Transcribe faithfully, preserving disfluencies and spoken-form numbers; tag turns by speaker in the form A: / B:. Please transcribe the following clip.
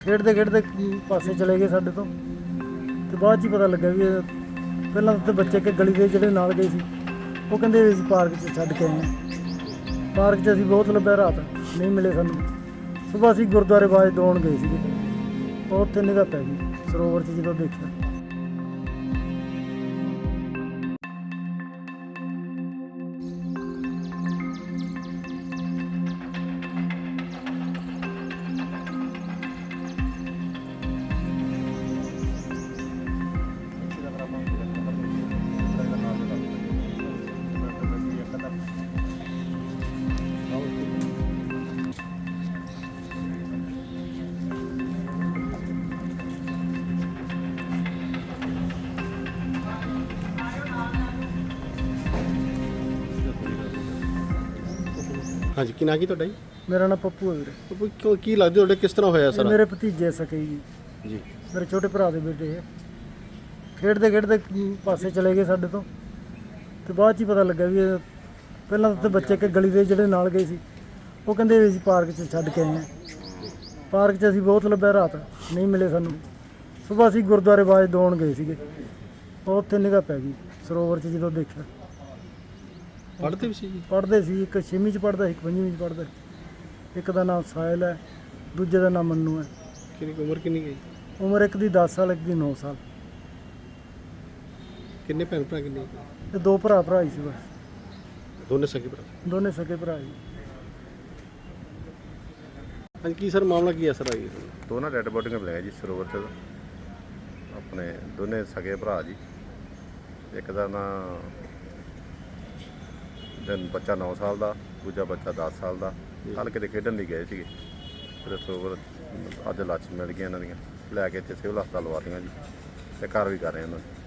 A: ਖੇਡਦੇ ਖੇਡਦੇ ਪਾਸੇ ਚਲੇ ਗਏ ਸਾਡੇ ਤੋਂ ਤੇ ਬਾਅਦ 'ਚ ਹੀ ਪਤਾ ਲੱਗਾ ਵੀ ਇਹ ਪਹਿਲਾਂ ਤਾਂ ਬੱਚੇ ਕਿ ਗਲੀ ਦੇ ਜਿਹੜੇ ਨਾਲ ਗਏ ਸੀ ਉਹ ਕਹਿੰਦੇ ਵੀ ਅਸੀਂ ਪਾਰਕ 'ਚ ਛੱਡ ਕੇ ਆਏ ਹਾਂ। ਪਾਰਕ 'ਚ ਅਸੀਂ ਬਹੁਤ ਲੱਭਿਆ, ਰਾਤ ਨਹੀਂ ਮਿਲੇ ਸਾਨੂੰ। ਸੁਬਾਹ ਅਸੀਂ ਗੁਰਦੁਆਰੇ ਬਾਜ ਦੌਣ ਗਏ ਸੀਗੇ, ਉਹ ਉੱਥੇ ਨਿਗਾਹ ਪੈ ਗਈ ਸਰੋਵਰ 'ਚ ਜਦੋਂ ਦੇਖਿਆ।
B: ਹਾਂਜੀ, ਕੀ ਨਾਂ ਕੀ ਤੁਹਾਡਾ ਜੀ?
A: ਮੇਰਾ ਨਾਮ ਪੱਪੂ ਹੈ ਵੀਰੇ।
B: ਪੱਪੂ, ਕਿਉਂ ਕੀ ਲੱਗਦਾ ਤੁਹਾਡੇ ਕਿਸ ਤਰ੍ਹਾਂ ਹੋਇਆ
A: ਇਹ
B: ਸਰ?
A: ਮੇਰੇ ਭਤੀਜੇ ਸਕੇ ਜੀ,
B: ਜੀ
A: ਮੇਰੇ ਛੋਟੇ ਭਰਾ ਦੇ ਬੇਟੇ ਹੈ। ਖੇਡਦੇ ਖੇਡਦੇ ਪਾਸੇ ਚਲੇ ਗਏ ਸਾਡੇ ਤੋਂ ਤੇ ਬਾਅਦ 'ਚ ਹੀ ਪਤਾ ਲੱਗਾ ਵੀ ਇਹ ਪਹਿਲਾਂ ਤਾਂ ਬੱਚੇ ਕਿ ਗਲੀ ਦੇ ਜਿਹੜੇ ਨਾਲ ਗਏ ਸੀ ਉਹ ਕਹਿੰਦੇ ਵੀ ਅਸੀਂ ਪਾਰਕ 'ਚ ਛੱਡ ਕੇ ਆਏ ਹਾਂ। ਪਾਰਕ 'ਚ ਅਸੀਂ ਬਹੁਤ ਲੱਭਿਆ, ਰਾਤ ਨਹੀਂ ਮਿਲੇ ਸਾਨੂੰ। ਸੁਬਾਹ ਅਸੀਂ ਗੁਰਦੁਆਰੇ ਬਾਜ ਦੌਣ ਗਏ ਸੀਗੇ, ਉਹ ਉੱਥੇ ਨਿਗਾਹ ਪੈ ਗਈ ਸਰੋਵਰ 'ਚ ਜਦੋਂ ਦੇਖਿਆ।
B: ਪੜ੍ਹਦੇ ਵੀ ਸੀ ਜੀ?
A: ਪੜ੍ਹਦੇ ਸੀ, ਇੱਕ ਛੇਵੀਂ 'ਚ ਪੜ੍ਹਦਾ ਸੀ, ਇੱਕ ਪੰਜਵੀਂ 'ਚ ਪੜ੍ਹਦਾ ਸੀ। ਇੱਕ ਦਾ ਨਾਮ ਸਾਹਿਲ ਹੈ, ਦੂਜੇ ਦਾ ਨਾਮ ਮੰਨੂ ਹੈ।
B: ਕਿੰਨੀ ਕੁ ਉਮਰ ਕਿੰਨੀ ਗਈ?
A: ਉਮਰ ਇੱਕ ਦੀ ਦਸ ਸਾਲ, ਇੱਕ ਦੀ ਨੌ ਸਾਲ।
B: ਕਿੰਨੇ ਭੈਣ ਭਰਾ ਕਿੰਨੇ?
A: ਤੇ ਦੋ ਭਰਾ ਭਰਾ ਹੀ ਸੀ ਬਸ,
B: ਦੋਨੇ ਸਕੇ ਭਰਾ?
A: ਦੋਨੇ ਸਕੇ ਭਰਾ ਜੀ।
B: ਹਾਂਜੀ, ਕੀ ਸਰ ਮਾਮਲਾ ਕੀ ਹੈ ਸਰ? ਆਈ
C: ਦੋ ਨਾ ਡੈਡ ਬੋਡੀਆਂ ਮਿਲੀਆਂ ਜੀ ਸਰੋਵਰ 'ਚ, ਆਪਣੇ ਦੋਨੇ ਸਗੇ ਭਰਾ ਜੀ। ਇੱਕ ਦਾ ਨਾਂ ਦਿਨ ਬੱਚਾ ਨੌ ਸਾਲ ਦਾ, ਦੂਜਾ ਬੱਚਾ ਦਸ ਸਾਲ ਦਾ। ਕੱਲ੍ਹ ਕਿਤੇ ਖੇਡਣ ਲਈ ਗਏ ਸੀਗੇ, ਫਿਰ ਸਰੋਵਰ ਅੱਜ ਲਾਸ਼ ਮਿਲ ਗਈਆਂ ਇਹਨਾਂ ਦੀਆਂ, ਲੈ ਕੇ ਇੱਥੇ ਸਿਵਲ ਹਸਪਤਾਲ ਲਵਾਤੀਆਂ ਜੀ, ਤੇ ਘਰ ਵੀ ਕਰ ਰਹੇ ਉਹਨਾਂ ਨੂੰ।